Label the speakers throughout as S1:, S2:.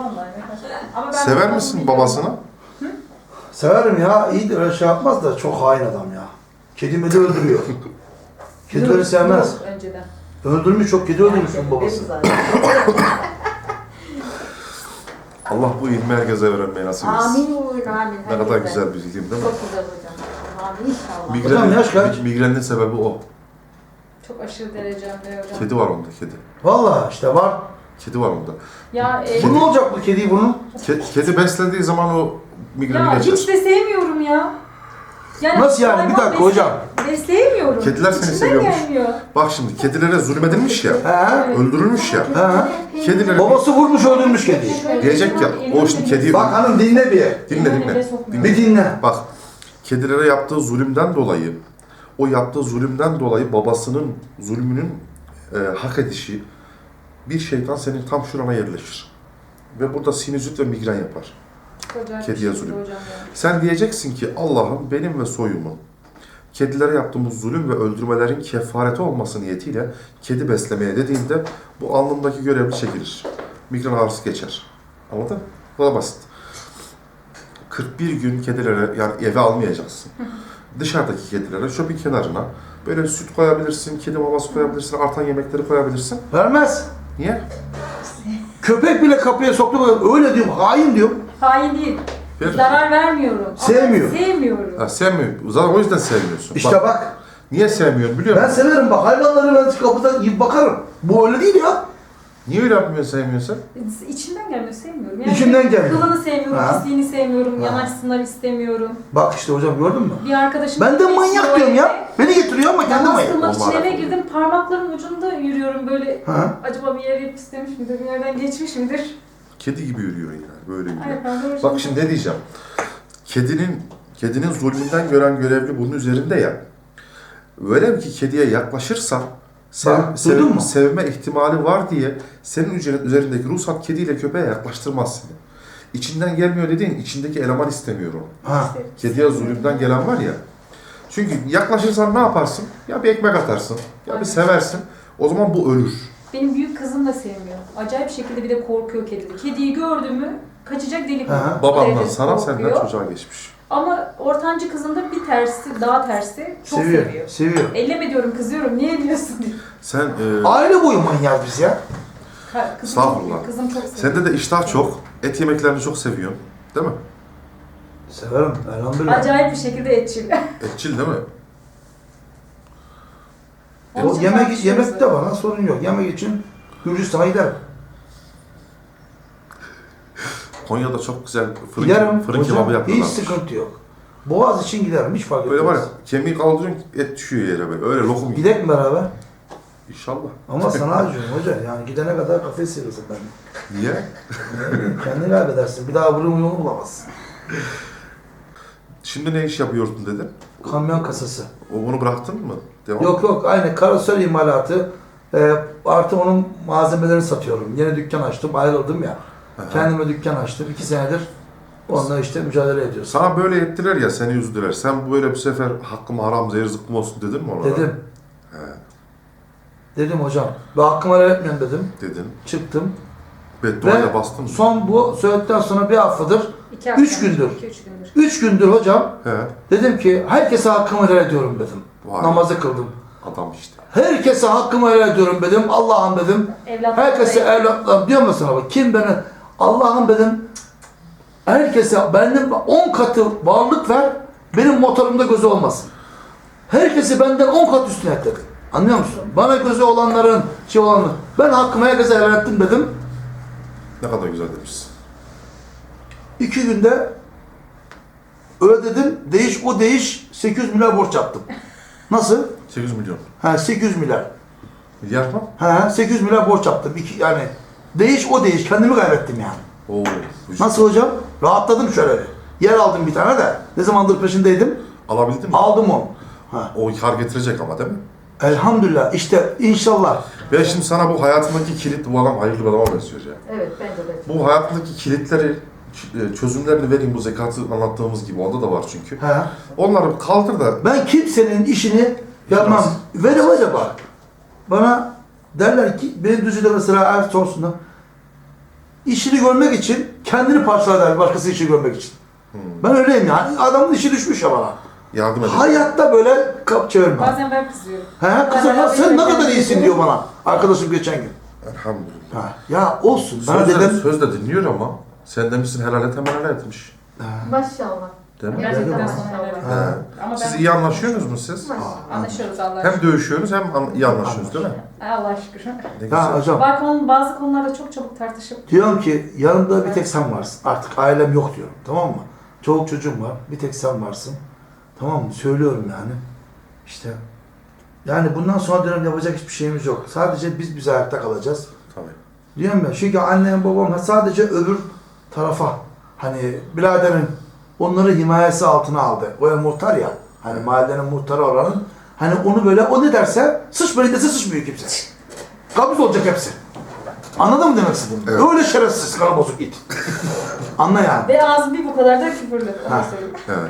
S1: vallahi. Ama ben
S2: Sever misin babasını?
S1: Hı?
S3: Severim ya. İyi de öyle şey yapmaz da çok hain adam ya. Kedimi de öldürüyor. Kedileri sevmez.
S1: Yok, önceden.
S3: Öldürmüş, çok kedi öldürmüş
S1: Yani,
S3: babası.
S2: Allah bu ilmi herkese öğrenmeyi nasip etsin.
S1: Amin. Amin.
S2: Ne kadar
S1: Herkese.
S2: güzel bir ilim değil mi?
S1: Çok güzel hocam. Amin inşallah.
S3: Hocam yaş kaç?
S2: Migrenin sebebi o.
S1: Çok aşırı derecemde hocam.
S2: Kedi var onda, kedi.
S3: Vallahi işte var.
S2: Kedi var onda.
S1: Ya,
S3: Bu ne olacak bu kediyi bunun?
S2: Kedi beslediği zaman o migreni
S1: ya
S2: geçer.
S1: hiç de sevmiyorum ya. Yani
S3: Nasıl yani? Bir
S1: hayvan
S3: dakika hocam.
S1: Besleyemiyorum.
S2: Kediler seni
S1: İçimden
S2: seviyormuş.
S1: gelmiyor.
S2: Bak şimdi kedilere zulmedilmiş ya,
S3: He?
S2: öldürülmüş ya.
S3: He?
S2: Kedileri
S3: Babası vurmuş öldürmüş kediyi.
S2: diyecek ya, o şimdi kediyi...
S3: Bak hanım dinle bir.
S2: Dinle.
S3: Bir dinle.
S2: Bak, kedilere yaptığı zulümden dolayı, o yaptığı zulümden dolayı babasının zulmünün hak edişi bir şeytan senin tam şurana yerleşir. Ve burada sinüzit ve migren yapar. Kediye zulüm. Sen diyeceksin ki Allah'ım benim ve soyumun kedilere yaptığımız zulüm ve öldürmelerin kefareti olması niyetiyle kedi beslemeye dediğinde bu alnındaki görevli çekilir. Migren ağrısı geçer. Anladın mı? Bu da basit. 41 gün kedilere, yani eve almayacaksın. Dışarıdaki kedilere şöpün kenarına böyle süt koyabilirsin, kedi maması koyabilirsin, artan yemekleri koyabilirsin.
S3: Vermez.
S2: Niye?
S3: Köpek bile kapıya soktu. Öyle diyorum. Hain diyorum.
S1: Hain değil.
S2: Ver.
S1: Zarar vermiyorum.
S3: Sevmiyor.
S1: Ama sevmiyorum.
S2: Ha, sevmiyor. Zaten o yüzden sevmiyorsun.
S3: İşte bak.
S2: Niye sevmiyorsun biliyor
S3: Ben
S2: musun?
S3: severim bak. Hayvanları ben kapıdan yiyip bakarım. Bu öyle değil ya.
S2: Niye öyle yapmıyorsun, sevmiyorsun?
S1: İçimden gelmiyor, sevmiyorum. Yani
S3: İçimden gelmiyor.
S1: Kılını sevmiyorum,
S3: Ha.
S1: pisliğini sevmiyorum,
S3: Ha.
S1: yanaşsınlar istemiyorum.
S3: Bak işte hocam gördün mü?
S1: Bir arkadaşım...
S3: Ben de manyak diyorum ya. Beni getiriyor ama kendi
S1: Namaz
S3: manyak.
S1: kılmak için
S2: Olmaz.
S1: eve girdim, parmaklarım ucunda yürüyorum böyle.
S3: Ha?
S1: Acaba bir yere istemiş midir, bir yerden geçmiş midir?
S2: Kedi gibi yürüyor yani, böyle yürüyor.
S1: Ay, pardon,
S2: Bak şimdi ne diyeceğim. Kedinin zulmünden gören görevli bunun üzerinde ya. Öyle ki kediye yaklaşırsan
S3: Duydun mu?
S2: sevme ihtimali var diye senin üzerindeki ruhsat kediyle köpeğe yaklaştırmaz seni. İçinden gelmiyor dediğin içindeki eleman istemiyor onu.
S3: Ha.
S2: Kediye zulümden gelen var ya. Çünkü yaklaşırsan ne yaparsın? Ya bir ekmek atarsın, ya bir seversin. O zaman bu ölür.
S1: Benim büyük kızım da sevmiyor. Acayip şekilde bir de korkuyor kediden. Kediyi gördü mü kaçacak delik
S3: Aha.
S1: olur. O
S2: Babandan
S1: derece
S2: sana,
S1: korkuyor.
S2: senden çocuğa geçmiş.
S1: Ama ortancı kızım da bir tersi, daha tersi çok
S3: Seviyor.
S1: seviyor.
S3: Seviyor.
S1: Elleme diyorum, kızıyorum. Niye diyorsun diye.
S2: Sen
S3: Aile boyu manyağız biz ya.
S1: Kızım çok,
S2: Estağfurullah.
S1: kızım çok seviyor.
S2: sende de iştah çok, et yemeklerini çok seviyorsun. Değil mi?
S3: Severim. Elhamdülillah.
S1: Acayip bir şekilde etçil.
S2: Etçil değil mi?
S1: Onun
S3: O
S1: için
S3: yemek
S1: tartışıyoruz
S3: de bana sorun yok. Yemek için Gürcistan'a giderim.
S2: Konya'da çok güzel
S3: Giderim.
S2: fırın
S3: Hocam,
S2: kebabı
S3: hiç
S2: yapıyorlar.
S3: sıkıntı yok. Boğaz için giderim. Hiç fark etmez.
S2: Böyle var ya, kemiği kaldırıyorsun, et düşüyor yere böyle. Öyle lokum gibi.
S3: Gidek mi beraber?
S2: İnşallah.
S3: Ama sana acıyorum hoca. Yani gidene kadar kafes sıyırırsın ben.
S2: Niye?
S3: Kendini kaybedersin. Bir daha bunun yolunu bulamazsın.
S2: Şimdi ne iş yapıyordun dedin?
S3: Kamyon kasası.
S2: Onu bıraktın mı? Devam.
S3: Yok aynı karosel imalatı. Artı onun malzemelerini satıyorum. Yeni dükkan açtım. Ayrıldım ya.
S2: Aha.
S3: Kendime dükkan açtım. 2 senedir onunla işte mücadele ediyoruz.
S2: Sana böyle ettiler ya, seni üzdüler. Sen böyle bir sefer hakkım haram, zehir zıkkım olsun dedin mi onlara?
S3: Dedim.
S2: He,
S3: Dedim hocam. Ben hakkımı helal etmiyorum dedim.
S2: dedin.
S3: Çıktım.
S2: Bedduayla bastın mı?
S3: Son bu söyledikten sonra bir haftadır,
S1: 2 hafta.
S3: 3 gündür.
S1: 2-3 gündür.
S3: 3 gündür hocam
S2: He.
S3: dedim ki herkese hakkımı helal ediyorum dedim.
S2: Vay.
S3: Namazı kıldım.
S2: Adam işte.
S3: Herkese hakkımı helal ediyorum dedim. Allah'ım dedim.
S1: Evlatlarım
S3: Herkese
S1: da-
S3: evlatlarım diyor musun abi? Kim beni? Allah'ım dedim. Herkese benden 10 katı varlık ver. Benim motorumda gözü olmasın. Herkesi benden 10 kat üstüne et dedim. Anlıyor musun? Bana gözü olanların, olanların. Ben hakkımı herkese helal ettim dedim.
S2: Ne kadar güzel demişsin.
S3: 2 günde ödedim. Değiş 800 milyar borç yaptım. Nasıl?
S2: 800 milyon.
S3: 800 milyar.
S2: Milyar mı?
S3: 800 milyar borç yaptım. Yani değiş kendimi kaybettim yani.
S2: Oo.
S3: Nasıl hocam? Rahatladım şöyle bir. Yer aldım bir tane de. Ne zamandır peşindeydim.
S2: Alabildin mi?
S3: Aldım onu.
S2: O kar getirecek ama değil mi?
S3: Elhamdülillah. İşte inşallah.
S2: Ben şimdi sana bu hayatındaki kilit, bu adam hayırlı bir adama benziyor ya.
S1: Evet, bence de.
S2: Bu hayatındaki kilitleri, çözümlerini vereyim, bu zekatı anlattığımız gibi. Onda da var çünkü. Onları kaldır da
S3: Ben kimsenin işini yapmam. Ve acaba bana derler ki, benim düzüde mesela eğer sorsunlar. işini görmek için kendini parçalar başkası işini görmek için. Ben öyleyim yani. Adamın işi düşmüş ya bana.
S2: Yardım edin.
S3: Hayatta böyle kap çevirme.
S1: Bazen ben kızıyorum.
S3: He kızım ya sen ne kadar iyisin diyor bana. Arkadaşım geçen gün.
S2: Elhamdülillah.
S3: Ha, ya olsun. Ben dedim.
S2: Söz de dinliyor ama sen demişsin helal et hemen helal etmiş.
S4: Maşallah.
S2: Değil mi?
S1: Gerçekten
S3: Dedim.
S1: sonra evet.
S2: He.
S1: Ama
S2: Siz
S1: ben
S2: iyi anlaşıyorsunuz mu siz?
S1: anlaşıyoruz Allah'a
S2: Hem
S1: şükür.
S2: dövüşüyorsunuz hem iyi anlaşıyorsunuz değil mi?
S1: Allah'a şükür.
S2: Ne
S3: Ya
S2: güzel.
S3: hocam
S1: Bazı konularda çok çabuk tartışıp
S3: diyorum ki yanımda bir tek sen varsın. Artık ailem yok diyorum. Tamam mı? Çoluk çocuğum var. Bir tek sen varsın. Tamam mı? Söylüyorum yani. İşte yani bundan sonra diyorum yapacak hiçbir şeyimiz yok. Sadece biz ayakta kalacağız.
S2: Tabii.
S3: Diyorum ya çünkü annem babam sadece öbür tarafa hani biraderin onları himayesi altına aldı. O muhtar ya hani mahallenin muhtarı oranın hani onu böyle o ne derse sıçmayın dese sıçmıyor kimse. Kabız olacak hepsi. Anladın mı demek istediğimi?
S2: Evet.
S3: Öyle şerefsiz kanı bozuk it. Anla yani.
S1: ve ağzı bir bu kadar da küfürlü. Onu
S3: Ha.
S1: söyleyeyim.
S2: Evet.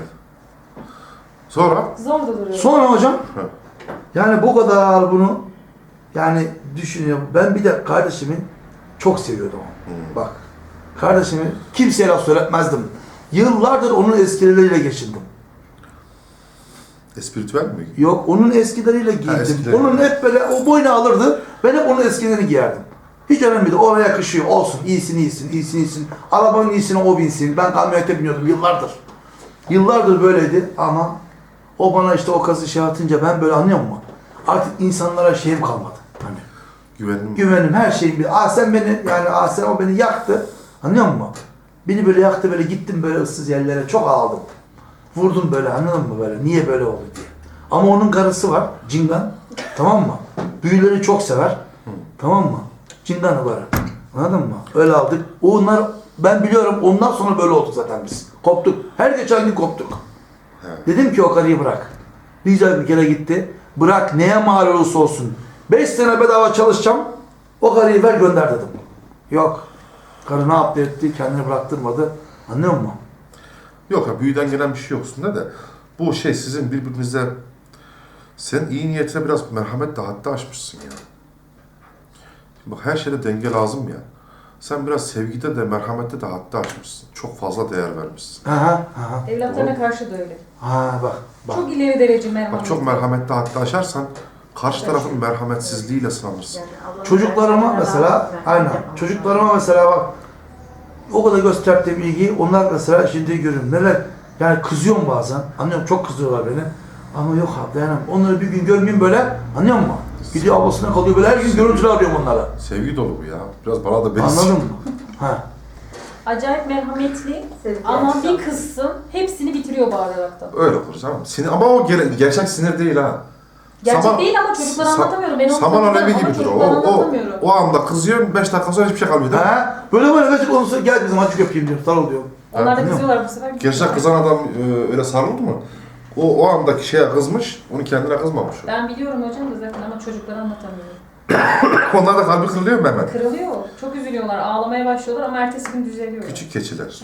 S2: Sonra?
S1: Zor da duruyor.
S3: Sonra hocam
S2: Hı.
S3: yani bu kadar bunu yani düşünüyorum. Ben bir de kardeşimi çok seviyordum. Bak kardeşimi kimseye laf söyletmezdim. Yıllardır onun eskileriyle geçindim.
S2: Espiritüel mi?
S3: Yok onun eskileriyle giydim.
S2: eskileri.
S3: Onun hep böyle o boynu alırdı. Ben hep onun eskilerini giyerdim. Hiç önemli değil. Oraya yakışıyor. Olsun. İyisin. Arabanın iyisine o binsin. Ben kamyonete biniyordum yıllardır. Yıllardır böyleydi ama o bana işte o kazı şey atınca ben böyle anlıyor musun? Artık insanlara şeyim kalmadı. Hani güvenim her şeyim bir. Sen beni yani sen o beni yaktı. Anlıyor musun? Beni böyle yaktı böyle gittim böyle ıssız yerlere çok ağladım. Vurdum böyle anladın mı böyle niye böyle oldu diye. Ama onun karısı var Cingan. Tamam mı? Büyüleri çok sever. Tamam mı? Cingan'ı var. Anladın mı? Öyle aldık. Onlar ben biliyorum ondan sonra böyle olduk zaten biz. Koptuk. Her geçen gün koptuk.
S2: Evet.
S3: Dedim ki o karıyı bırak. Rica bir kere gitti. Bırak neye mal olursa olsun. 5 sene bedava çalışacağım. O karıyı ver gönder dedim. Yok. Karı ne yaptı etti kendini bıraktırmadı. Anlıyor musun?
S2: Yok ya büyüden gelen bir şey yoksun da bu şey sizin birbirinize sen iyi niyetine biraz merhamet de hatta aşmışsın ya. Bak her şeyde denge lazım ya. Sen biraz sevgide de merhamette de hatta aşmışsın. Çok fazla değer vermişsin.
S3: Aha.
S1: Evlatlarına karşı da öyle.
S3: Ha bak.
S1: Çok ileri derece merhamet.
S2: Bak çok merhamette hatta aşarsan karşı tarafın merhametsizliğiyle sınanırsın.
S3: Çocuklarıma mesela aynen. Çocuklarıma mesela bak o kadar gösterdiğim ilgiyi onlar mesela şimdi görüyorum. Neler yani kızıyorum bazen. Anlıyorum çok kızıyorlar beni. Ama yok abi dayanamam. Onları bir gün görmeyeyim böyle. Anlıyor musun? Gidiyor ablasına kalıyor böyle her gün görüntülü arıyorum onlara.
S2: Sevgi dolu bu ya. Biraz bana da benziyor.
S3: Anladın mı? Ha.
S1: Acayip merhametli
S4: Sevgi
S1: ama
S4: akşam.
S1: bir kızsın hepsini bitiriyor bağıraraktan.
S2: Öyle olur canım. Sinir, ama o gerçek sinir değil ha.
S1: Gerçek
S2: Saman-
S1: değil ama çocuklara anlatamıyorum. Ben onu
S2: Saman
S1: tanıyorum
S2: alevi
S1: ama
S2: gibidir o.
S1: çocuklara anlatamıyorum.
S2: O anda kızıyorsun 5 dakika sonra hiçbir şey kalmıyor değil mi?
S3: Ha. Böyle gerçek olursa gel bizim acık öpeyim diyor. Sarıl diyor.
S1: Onlar da
S3: Ha.
S1: kızıyorlar bu sefer.
S2: Gerçek kızan adam öyle sarıldı mı? O andaki şeye kızmış, onu kendine kızmamış. o.
S1: Ben biliyorum hocam da zaten ama çocuklara anlatamıyorum.
S2: Onlar da kalbi kırılıyor mu hemen?
S1: Kırılıyor. Çok üzülüyorlar. Ağlamaya başlıyorlar ama ertesi gün düzeliyor.
S2: Küçük keçiler.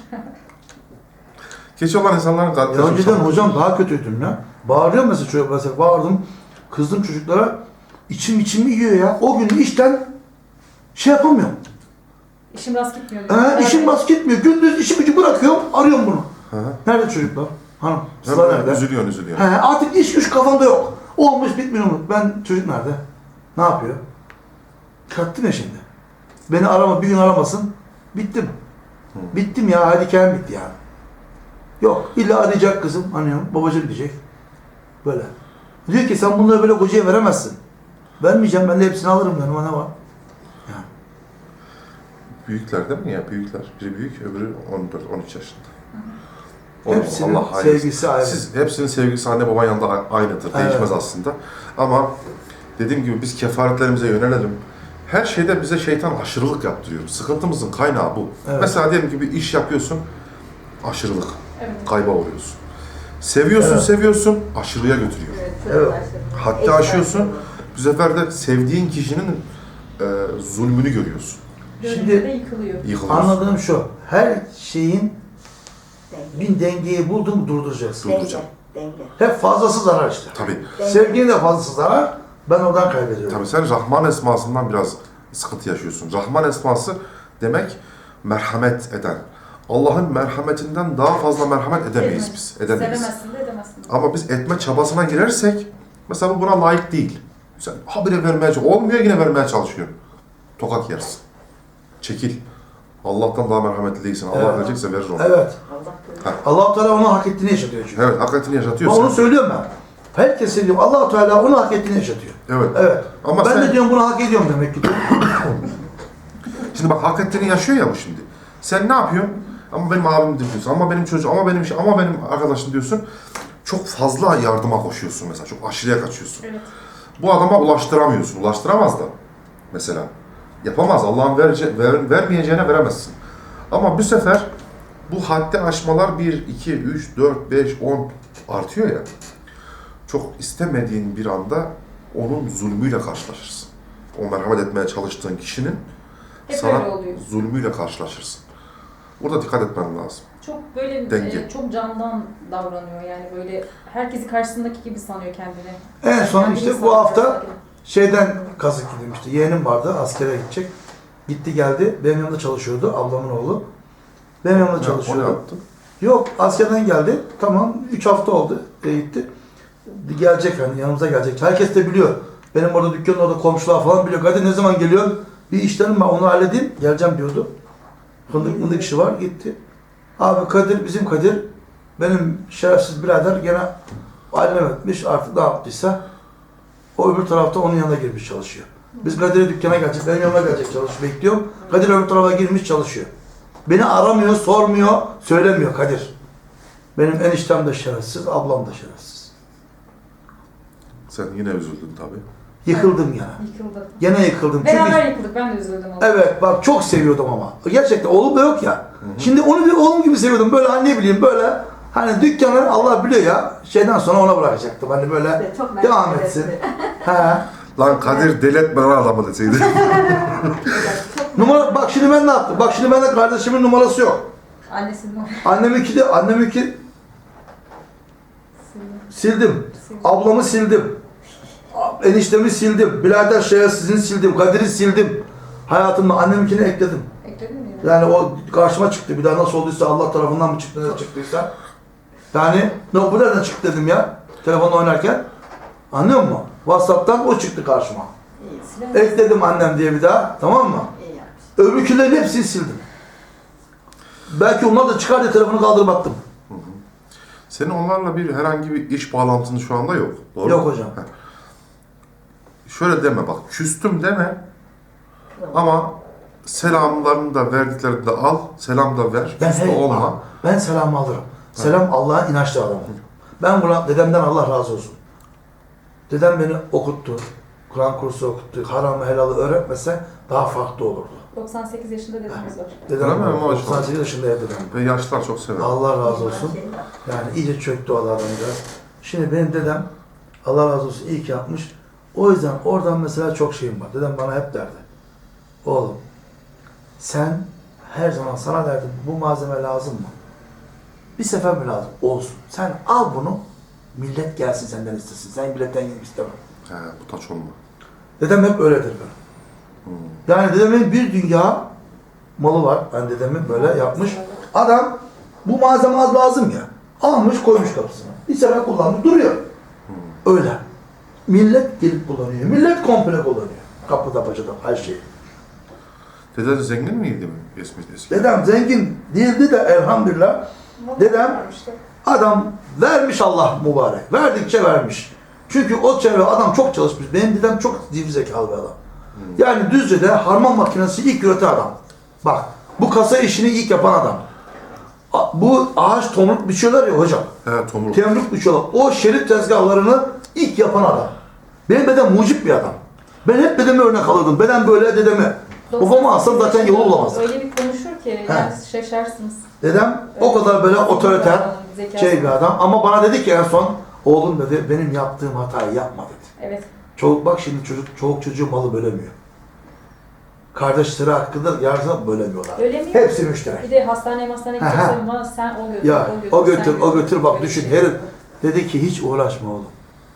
S2: Keçi olan insanların kalbi
S3: Ya önceden hocam daha kötüydüm ya. Bağırıyorum mesela çocuk mesela bağırdım. Kızdım çocuklara. İçim yiyor ya. O gün işten şey yapamıyorum.
S1: İşim rast gitmiyor. diyor.
S3: İşim bas gitmiyor. Gündüz işi gücü bırakıyorum. Arıyorum bunu.
S2: Hı.
S3: Nerede çocuklar? Hanım. Sıla nerede?
S2: Üzülüyorsun.
S3: He, artık iş güç kafamda yok. Olmuş bitmiyor mu? Ben çocuk nerede? Ne yapıyor? Kattım ya şimdi. Beni arama bir gün aramasın. Bittim. Bittim ya. Hadi hikayem bitti yani. Yok. İlla arayacak kızım. Anlıyorum. Babacığım diyecek. Böyle. Diyor ki sen bunları böyle kocaya veremezsin. Vermeyeceğim. Ben de hepsini alırım yanıma ne var? Yani.
S2: Büyükler değil mi ya? Büyükler. Biri büyük, öbürü 14-13 yaşında.
S3: Hepsinin
S2: Allah hayırlısı.
S3: sevgisi ayrı.
S2: Hepsinin sevgisi anne baban yanında aynıdır.
S3: Evet.
S2: Değişmez aslında. Ama dediğim gibi biz kefaretlerimize yönelelim. Her şeyde bize şeytan aşırılık yaptırıyor. Sıkıntımızın kaynağı bu.
S3: Evet.
S2: Mesela diyelim ki bir iş yapıyorsun, aşırılık.
S1: Evet.
S2: Kayba uğruyorsun. Seviyorsun,
S3: Evet.
S2: seviyorsun, aşırıya götürüyor.
S3: Evet.
S2: Hatta aşıyorsun, bu sefer de sevdiğin kişinin zulmünü görüyorsun.
S1: Şimdi de yıkılıyor.
S2: Yıkılıyorsun.
S3: Anladığım şu. Her şeyin bir dengeyi buldum durduracaksın.
S2: Durduracağım.
S4: Denge.
S3: Hep fazlası zarar işte.
S2: Tabii.
S3: Sevginin de fazlası zarar. Ben oradan kaybediyorum.
S2: Tabii sen Rahman esmasından biraz sıkıntı yaşıyorsun. Rahman esması demek merhamet eden. Allah'ın merhametinden daha fazla merhamet edemeyiz biz. Edemeyiz.
S1: Sevemezsin de edemezsin de.
S2: Ama biz etme çabasına girersek, mesela bu buna layık değil. Sen habire vermeye çalışıyorsun. Olmuyor, yine vermeye çalışıyorsun. Tokat yersin. Çekil. Allah'tan daha merhametli değilsin. Allah
S3: Evet.
S2: verecekse verir onu.
S3: Evet.
S1: Allah
S3: Allah-u Teala onu hak ettiğini yaşatıyor çünkü.
S2: Evet, hakikatini
S3: Ben
S2: yaşatıyorsun.
S3: onu söylüyorum ben. Herkes diyorum Allah-u Teala onu hak ettiğini yaşatıyor.
S2: Evet.
S3: Evet.
S2: Ama
S3: ben
S2: sen-
S3: de diyorum bunu hak ediyorum demek ki.
S2: Şimdi bak hak ettiğini yaşıyor ya bu şimdi. Sen ne yapıyorsun? Ama benim abim diyorsun, ama benim çocuğum, ama benim şey, ama benim arkadaşım diyorsun. Çok fazla yardıma koşuyorsun mesela, çok aşırıya kaçıyorsun.
S1: Evet.
S2: Bu adama ulaştıramıyorsun, ulaştıramaz da mesela. Yapamaz, Allah'ın vermeyeceğine veremezsin. Ama bu sefer bu haddi aşmalar 1, 2, 3, 4, 5, 10 artıyor ya. Çok istemediğin bir anda onun zulmüyle karşılaşırsın. O merhamet etmeye çalıştığın kişinin
S1: Hep
S2: sana
S1: öyle oluyor.
S2: zulmüyle karşılaşırsın. Burada dikkat etmen lazım.
S1: Çok böyle
S2: Denge.
S1: çok candan davranıyor yani böyle herkesi karşısındaki gibi sanıyor kendini.
S3: En son
S1: Kendini
S3: işte bu
S1: sanıyor
S3: hafta
S1: karşısındaki.
S3: şeyden kazık yedim işte. Yeğenim vardı askere gidecek. Gitti geldi. Benim yanımda çalışıyordu. Ablamın oğlu. Benim yanımda
S2: O ne
S3: çalışıyordu.
S2: yaptı?
S3: Yok askerden geldi. Tamam 3 hafta oldu. Gitti. Gelecek hani yanımıza gelecek. Herkes de biliyor. Benim orada dükkanın orada komşular falan biliyor. Hadi ne zaman geliyor? Bir işlerim var onu halledeyim. Geleceğim diyordu. Fındık işi var. Gitti. Abi Kadir bizim Kadir. Benim şerefsiz birader gene alem etmiş. Artık ne yaptıysa o öbür tarafta onun yanına girmiş çalışıyor. Biz Kadir'e dükkana gelecek. Benim yanıma gelecek çalışıyor. Bekliyorum. Kadir öbür tarafa girmiş çalışıyor. Beni aramıyor, sormuyor, söylemiyor Kadir. Benim eniştem de şerefsiz, ablam da şerefsiz.
S2: Sen yine üzüldün tabii.
S3: Yıkıldım ya.
S1: Yıkıldı.
S3: Gene yıkıldım.
S1: Beraber yıkıldık. Ben de üzüldüm ona.
S3: Evet bak çok seviyordum ama. Gerçekten oğlum da yok ya. Şimdi onu bir oğlum gibi seviyordum. Böyle hani ne bileyim böyle hani dükkanı Allah biliyor ya şeyden sonra ona bırakacaktım. Hani böyle
S4: Çok merak
S3: devam
S4: ettim.
S3: etsin. He.
S2: Lan Kadir deletme lan adamı deseydi.
S3: Numara bak şimdi ben ne yaptım? Bak şimdi bende kardeşimin numarası yok.
S1: Annesinin o.
S3: Anneminki sildim. Ablamı sildim. Eniştemi sildim. Birader şerefsizini sildim. Kadir'i sildim. Hayatımda anneminkini ekledim.
S1: Ekledin mi? ya?
S3: Yani o karşıma çıktı. Bir daha nasıl olduysa Allah tarafından mı çıktı, ne çıktıysa. Yani ne bu nereden çıktı dedim ya. Telefonla oynarken. Anlıyor musun? WhatsApp'tan o çıktı karşıma.
S4: İyi,
S1: Silah-
S3: Ekledim annem diye bir daha. Tamam mı?
S4: iyi yapmış.
S3: Öbürkülerin hepsini sildim. Belki onlar da çıkar diye telefonu kaldırıp attım.
S2: Senin onlarla bir herhangi bir iş bağlantın şu anda yok. Doğru
S3: Yok
S2: mu?
S3: hocam.
S2: Heh. Şöyle deme bak, küstüm deme ama selamlarını da verdiklerini de al, selam da ver, küstü olma.
S3: Ben selamı alırım. Selam Allah'a inançlı adamım. Ben buna dedemden Allah razı olsun. Dedem beni okuttu. Kur'an kursu okuttu. Haramı helalı öğretmese daha farklı olurdu.
S1: 98 yaşında dedemiz var.
S3: Dedem
S2: Öyle mi? Maşallah.
S3: 98 yaşında ya dedem.
S2: Ve yaşlılar çok sever.
S3: Allah razı olsun. Yani iyice çöktü o adamcağız. Şimdi benim dedem Allah razı olsun iyi ki yapmış. O yüzden oradan mesela çok şeyim var. Dedem bana hep derdi. Oğlum sen her zaman sana derdim bu malzeme lazım mı? Bir sefer mi lazım? Olsun. Sen al bunu millet gelsin senden istesin. Sen milletten gelip istemem.
S2: He, bu taç olma.
S3: Dedem hep öyledir böyle. Yani dedemin bir dünya malı var. Yani dedemin böyle yapmış. Adam bu malzeme az lazım ya. Almış koymuş kapısına. Bir sefer kullanmış duruyor. Öyle. Millet gelip kullanıyor. Millet komple kullanıyor. Kapıda bacada her şeyi.
S2: Dede de zengin miydi mi? Eski.
S3: Dedem zengin değildi de elhamdülillah. Dedem adam vermiş Allah mübarek. Verdikçe vermiş. Çünkü o çevre adam çok çalışmış. Benim dedem çok zivri zekalı bir adam. Yani Düzce'de harman makinesi ilk üreten adam. Bak bu kasa işini ilk yapan adam. Bu ağaç tomruk biçiyorlar ya hocam.
S2: He, tomruk.
S3: Temruk biçiyorlar. O şerit tezgahlarını ilk yapan adam. Benim dedem mucip bir adam. Ben hep dedeme örnek alırdım. Dedem böyle dedeme. Babamı alsam zaten yolu bulamazdı.
S1: Öyle bir konuşur ki yani şaşarsınız.
S3: Dedem o kadar böyle otoriter şey bir adam. Ama bana dedi ki en son oğlum dedi benim yaptığım hatayı yapma dedi.
S1: Evet.
S3: Çoluk bak şimdi çoluk çocuğu malı bölemiyor. Kardeşleri hakkında yardım bölemiyorlar.
S1: Öyle mi?
S3: Hepsi müşterek.
S1: Bir de hastaneye gideceksen bana sen o götür,
S3: Ya
S1: sen
S3: o götür bak
S1: Böyle
S3: düşün.
S1: şey.
S3: Herif dedi ki hiç uğraşma oğlum.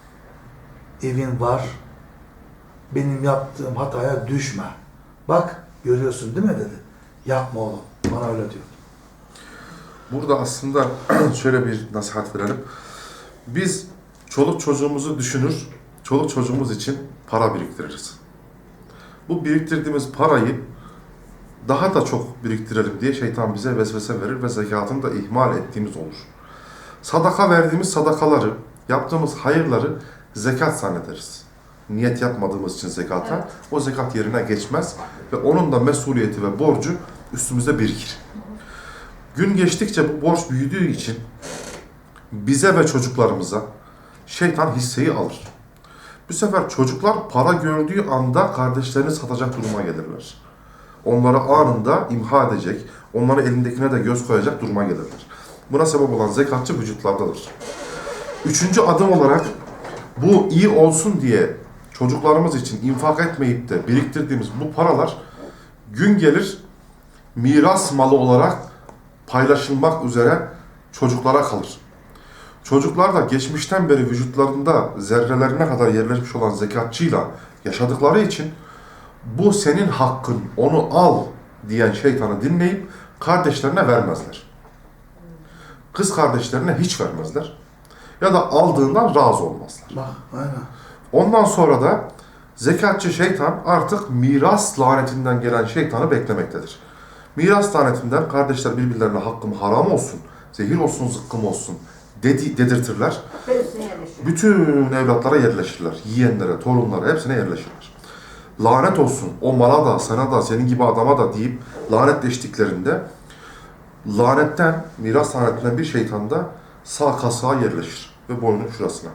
S3: Evin var. Benim yaptığım hataya düşme. Bak görüyorsun değil mi dedi. Yapma oğlum. Bana öyle diyor.
S2: Burada aslında şöyle bir nasihat verelim. Biz çoluk çocuğumuzu düşünür, çoluk çocuğumuz için para biriktiririz. Bu biriktirdiğimiz parayı daha da çok biriktirelim diye şeytan bize vesvese verir ve zekatını da ihmal ettiğimiz olur. Sadaka verdiğimiz sadakaları, yaptığımız hayırları zekat zannederiz. Niyet yapmadığımız için zekata,
S1: Evet.
S2: o zekat yerine geçmez ve onun da mesuliyeti ve borcu üstümüzde birikir. Gün geçtikçe bu borç büyüdüğü için bize ve çocuklarımıza şeytan hisseyi alır. Bu sefer çocuklar para gördüğü anda kardeşlerini satacak duruma gelirler. Onları anında imha edecek, onları elindekine de göz koyacak duruma gelirler. Buna sebep olan zekatçı vücutlardadır. Üçüncü adım olarak bu iyi olsun diye çocuklarımız için infak etmeyip de biriktirdiğimiz bu paralar gün gelir miras malı olarak paylaşılmak üzere çocuklara kalır. Çocuklar da geçmişten beri vücutlarında zerrelerine kadar yerleşmiş olan zekatçıyla yaşadıkları için bu senin hakkın, onu al diyen şeytanı dinleyip kardeşlerine vermezler. Kız kardeşlerine hiç vermezler. Ya da aldığından razı olmazlar.
S3: Bak, aynen.
S2: Ondan sonra da zekatçı şeytan artık miras lanetinden gelen şeytanı beklemektedir. Miras lanetinden kardeşler birbirlerine hakkım haram olsun, zehir olsun, zıkkım olsun dedirtirler. Bütün evlatlara yerleşirler. Yiyenlere, torunlara hepsine yerleşirler. Lanet olsun o mala da, sana da, senin gibi adama da deyip lanetleştiklerinde lanetten, miras lanetinden bir şeytan da sağ kasağa yerleşir ve boynun şurasına.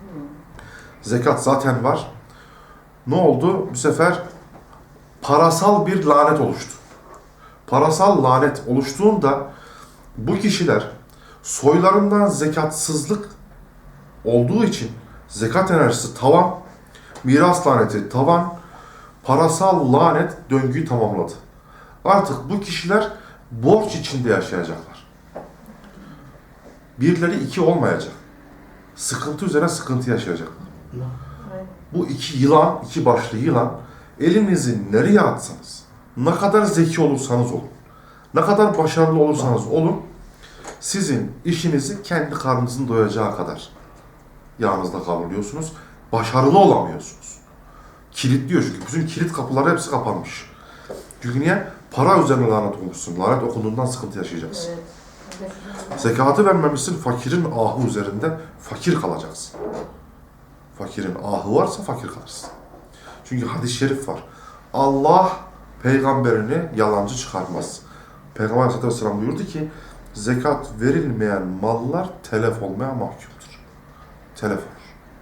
S2: Zekat zaten var. Ne oldu? Bu sefer parasal bir lanet oluştu. Parasal lanet oluştuğunda bu kişiler soylarından zekatsızlık olduğu için zekat enerjisi tavan, miras laneti tavan, parasal lanet döngüyü tamamladı. Artık bu kişiler borç içinde yaşayacaklar. Birileri iki olmayacak. Sıkıntı üzerine sıkıntı yaşayacaklar. Bu iki yılan, iki başlı yılan elinizi nereye atsanız, ne kadar zeki olursanız olun, ne kadar başarılı olursanız olun, sizin işinizi kendi karnınızın doyacağı kadar yağınızda kavruluyorsunuz, başarılı olamıyorsunuz. Kilitliyor çünkü. Bütün kilit kapıları hepsi kapanmış. Çünkü niye? Para üzerine lanet olmuşsun. Lanet okunduğundan sıkıntı yaşayacaksın.
S1: Evet.
S2: Zekatı vermemişsin, fakirin ahı üzerinde fakir kalacaksın. Fakirin ahı varsa fakir kalırsın. Çünkü hadis-i şerif var. Allah peygamberini yalancı çıkarmaz. Peygamber Aleyhisselatü Vesselam buyurdu ki, zekat verilmeyen mallar telef olmaya mahkumdur. Telef olur.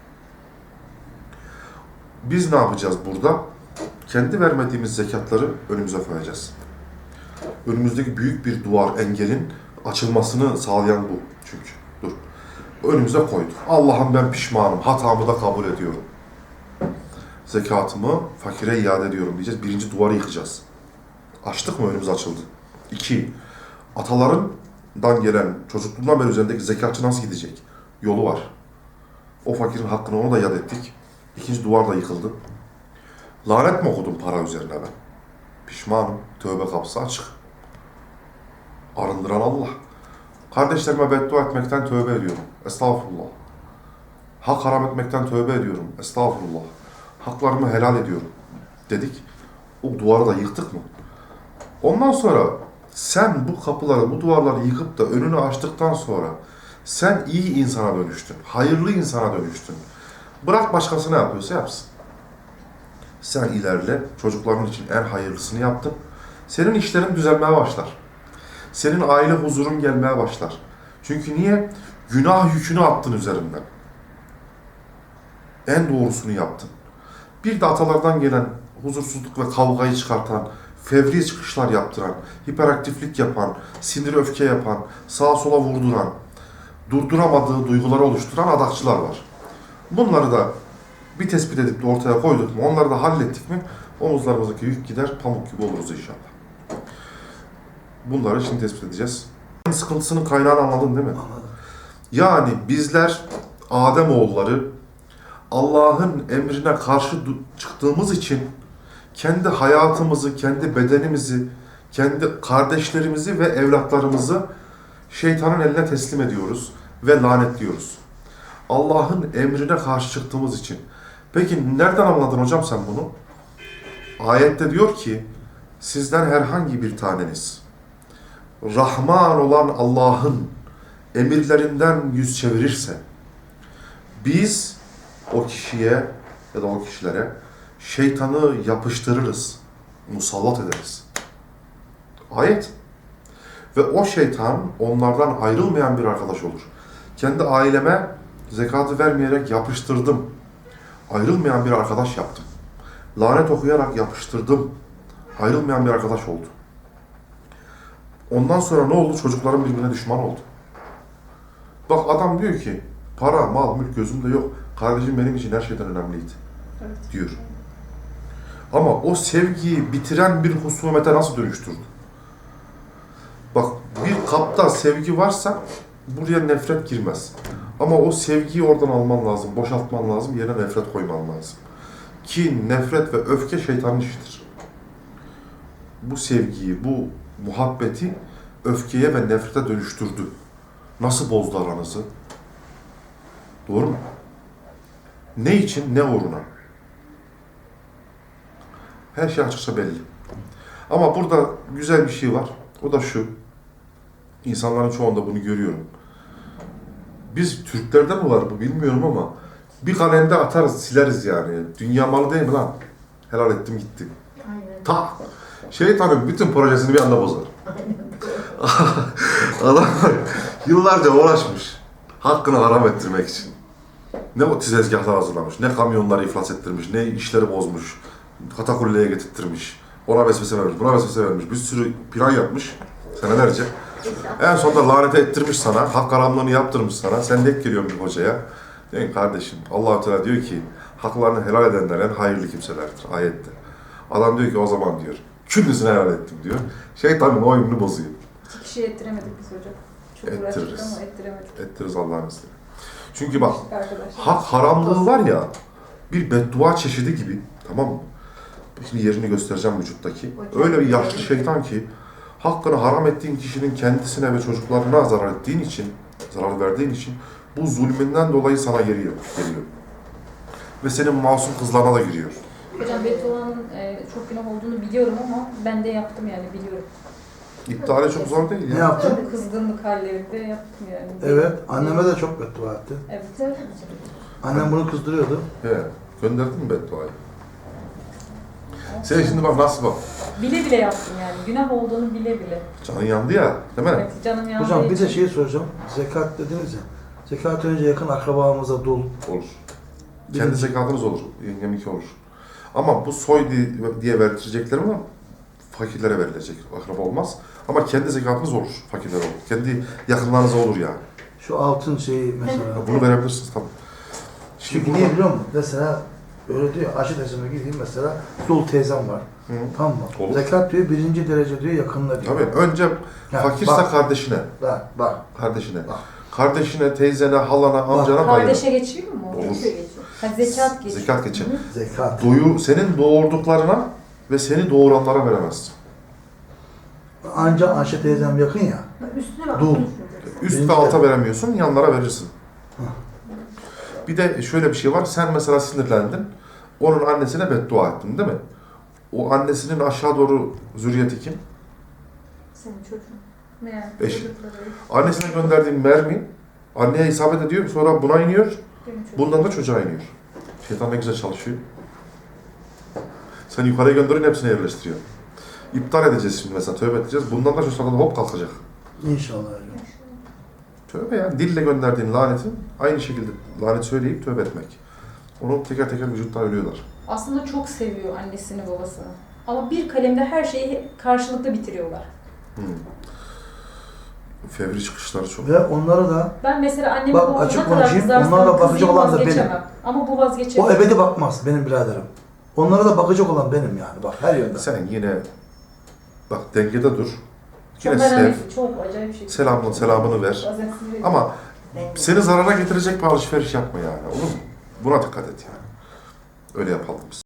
S2: Biz ne yapacağız burada? Kendi vermediğimiz zekatları önümüze koyacağız. Önümüzdeki büyük bir duvar, engelin açılmasını sağlayan bu çünkü. Dur. Önümüze koyduk. Allah'ım ben pişmanım, hatamı da kabul ediyorum. Zekatımı fakire iade ediyorum diyeceğiz. Birinci duvarı yıkacağız. Açtık mı önümüz açıldı. 2. Atalarından gelen, çocukluğundan beri üzerindeki zekatçı nasıl gidecek? Yolu var. O fakirin hakkını ona da iade ettik. İkinci duvar da yıkıldı. Lanet mi okudum para üzerine ben? Pişmanım. Tövbe kapısı açık. Arındıran Allah. Kardeşlerime beddua etmekten tövbe ediyorum. Estağfurullah. Hak haram etmekten tövbe ediyorum. Estağfurullah. Haklarımı helal ediyorum. Dedik. O duvarı da yıktık mı? Ondan sonra sen bu kapıları, bu duvarları yıkıp da önünü açtıktan sonra sen iyi insana dönüştün. Hayırlı insana dönüştün. Bırak başkası ne yapıyorsa yapsın. Sen ilerle, çocukların için en hayırlısını yaptın. Senin işlerin düzelmeye başlar. Senin aile huzurun gelmeye başlar. Çünkü niye? Günah yükünü attın üzerinden. En doğrusunu yaptın. Bir de atalardan gelen huzursuzluk ve kavgayı çıkartan, fevri çıkışlar yaptıran, hiperaktiflik yapan, sinir öfke yapan, sağa sola vurduran, durduramadığı duyguları oluşturan adakçılar var. Bunları da bir tespit edip de ortaya koyduk mu, onları da hallettik mi, omuzlarımızdaki yük gider, pamuk gibi oluruz inşallah. Bunları şimdi tespit edeceğiz. Sıkıntısının kaynağını anladın değil mi?
S3: Anladım.
S2: Yani bizler Ademoğulları Allah'ın emrine karşı çıktığımız için kendi hayatımızı, kendi bedenimizi, kendi kardeşlerimizi ve evlatlarımızı şeytanın eline teslim ediyoruz ve lanetliyoruz. Allah'ın emrine karşı çıktığımız için. Peki nereden anladın hocam sen bunu? Ayette diyor ki, sizden herhangi bir taneniz Rahman olan Allah'ın emirlerinden yüz çevirirse, biz o kişiye ya da o kişilere şeytanı yapıştırırız, musallat ederiz. Ayet. Ve o şeytan onlardan ayrılmayan bir arkadaş olur. Kendi aileme zekatı vermeyerek yapıştırdım. Ayrılmayan bir arkadaş yaptım. Lanet okuyarak yapıştırdım. Ayrılmayan bir arkadaş oldu. Ondan sonra ne oldu? Çocukların birbirine düşman oldu. Bak adam diyor ki, para, mal, mülk gözümde yok. Kardeşim benim için her şeyden önemliydi.
S1: Evet.
S2: Diyor. Ama o sevgiyi bitiren bir husumete nasıl dönüştürdü? Bak bir kapta sevgi varsa buraya nefret girmez. Ama o sevgiyi oradan alman lazım, boşaltman lazım, yerine nefret koyman lazım. Ki nefret ve öfke şeytanın işidir. Bu sevgiyi, bu muhabbeti öfkeye ve nefrete dönüştürdü. Nasıl bozdu aranızı? Doğru mu? Ne için, ne uğruna? Her şey açıkça belli. Ama burada güzel bir şey var. O da şu. İnsanların çoğunda bunu görüyorum. Biz Türklerde mi var bu bilmiyorum ama bir kalemde atarız, sileriz yani. Dünya malı değil mi lan? Helal ettim gitti.
S4: Aynen.
S2: Ta şeytanın bütün projesini bir anda bozar. Adam yıllarca uğraşmış. Hakkını haram ettirmek için. Ne o tezgahlar hazırlamış, ne kamyonları iflas ettirmiş, ne işleri bozmuş. Katakulleye getirttirmiş. Ona vesvese vermiş, buna vesvese vermiş. Bir sürü plan yapmış senelerce. En sonunda lanete ettirmiş sana, hak haramlığını yaptırmış sana. Sen denk geliyorsun bir hocaya. Diyorsun ki kardeşim, Allah-u Teala diyor ki haklarını helal edenler en hayırlı kimselerdir ayette. Adam diyor ki o zaman diyor, küllüsünü helal ettim diyor. Şeytanın oyununu bozuyor.
S1: 2 kişiye ettiremedik biz hocam. Çok uğraştık
S2: Ettiririz.
S1: ama ettiremedik.
S2: Ettiririz Allah'ın izniyle. Çünkü bak,
S1: Arkadaşlar.
S2: hak haramlığı var ya, bir beddua çeşidi gibi, tamam mı? Şimdi yerini göstereceğim vücuttaki. Öyle bir yaşlı şeytan ki, hakkını haram ettiğin kişinin kendisine ve çocuklarına zarar ettiğin için, zarar verdiğin için, bu zulmünden dolayı sana geliyor. Ve senin masum kızlarına da giriyor.
S1: Hocam bedduanın çok günah olduğunu biliyorum ama ben de yaptım yani biliyorum.
S2: İptali çok zor değil
S3: Ne
S2: ya.
S3: yaptın?
S1: Kızgınlık hallerinde yaptım yani.
S3: Evet, anneme de çok beddua etti.
S1: Evet.
S3: Annem bunu kızdırıyordu.
S2: He, gönderdin mi bedduayı? Sen şimdi bak nasıl bak.
S1: Bile bile yaptım yani. Günah olduğunu bile bile.
S2: Canın yandı ya, değil mi?
S1: Evet, canım yandığı
S3: Hocam bir de
S1: için.
S3: şey soracağım. Zekat dediniz ya. Zekat önce yakın akrabamıza dul.
S2: Olur. Kendi zekatınız olur, yengeminki olur. Ama bu soy diye vertireceklerim ama fakirlere verilecek, akraba olmaz. Ama kendi zekatınız olur, fakirlere olur. Kendi yakınlarınıza olur yani.
S3: Şu altın şeyi mesela.
S2: Bunu verebilirsiniz tabii. Şimdi
S3: Çünkü niye biliyor musun? Mesela öyle diyor, Aşı teyzeme gideyim mesela, dul teyzem var.
S2: Hı.
S3: Tamam mı?
S2: Olur.
S3: Zekat diyor, 1. derece diyor, yakınına diyor.
S2: Tabii önce
S3: Ya,
S2: fakirse
S3: bak.
S2: kardeşine,
S3: Bak.
S2: kardeşine.
S3: Bak.
S2: Kardeşine, teyzene, halana, amcana bayılır.
S1: Kardeşe geçiyor mu?
S2: Olur.
S1: Ha, zekat geçiyor.
S2: Zekat geçer.
S3: Zekat.
S2: Senin doğurduklarına ve seni doğuranlara veremezsin.
S3: Ancak Ayşe teyzem yakın ya.
S4: Üstüne bak.
S3: Dul.
S2: Üst
S3: Birinci
S2: ve alta
S3: derece.
S2: veremiyorsun, yanlara verirsin. Bir de şöyle bir şey var, sen mesela sinirlendin, onun annesine beddua ettin değil mi? O annesinin aşağı doğru zürriyeti kim?
S4: Senin çocuğun.
S1: Ne yani?
S2: Eşi.
S1: Çocukları,
S2: Annesine gönderdiğin mermi, anneye isabet ediyor, sonra buna iniyor,
S1: benim çocuğum.
S2: bundan da çocuğa iniyor. Şeytan ne güzel çalışıyor. Sen yukarıya gönderiyorsun, hepsini yerleştiriyor. İptal edeceğiz şimdi mesela, tövbe edeceğiz. Bundan da şu sırada hop kalkacak.
S3: İnşallah hocam.
S2: Tövbe yani, dille gönderdiğin lanetin aynı şekilde lanet söyleyip tövbe etmek. Onu teker teker vücutta ölüyorlar.
S1: Aslında çok seviyor annesini babasını. Ama bir kalemde her şeyi karşılıklı bitiriyorlar.
S2: Fevri çıkışları çok.
S3: Ve onları da
S1: Ben mesela anneme
S3: Bak,
S1: babama
S3: açık
S1: ne kadar
S3: konuşayım,
S1: kızarsam
S3: onlara bakıcı
S1: kızayım
S3: olan da
S1: vazgeçemem. Ama bu vazgeçemiyor.
S3: o ebedi bakmaz benim biraderim. Onlara da bakacak olan benim yani, bak her yönden.
S2: Sen yine bak dengede dur. Yine
S1: Çok
S2: sev.
S1: önemli, çok acayip bir şey.
S2: Selamını ver.
S1: Bazen sinir ediyor.
S2: Ama seni zarara getirecek bir alışveriş yapma yani. Olur mu? Buna dikkat et yani. Öyle yapalım biz.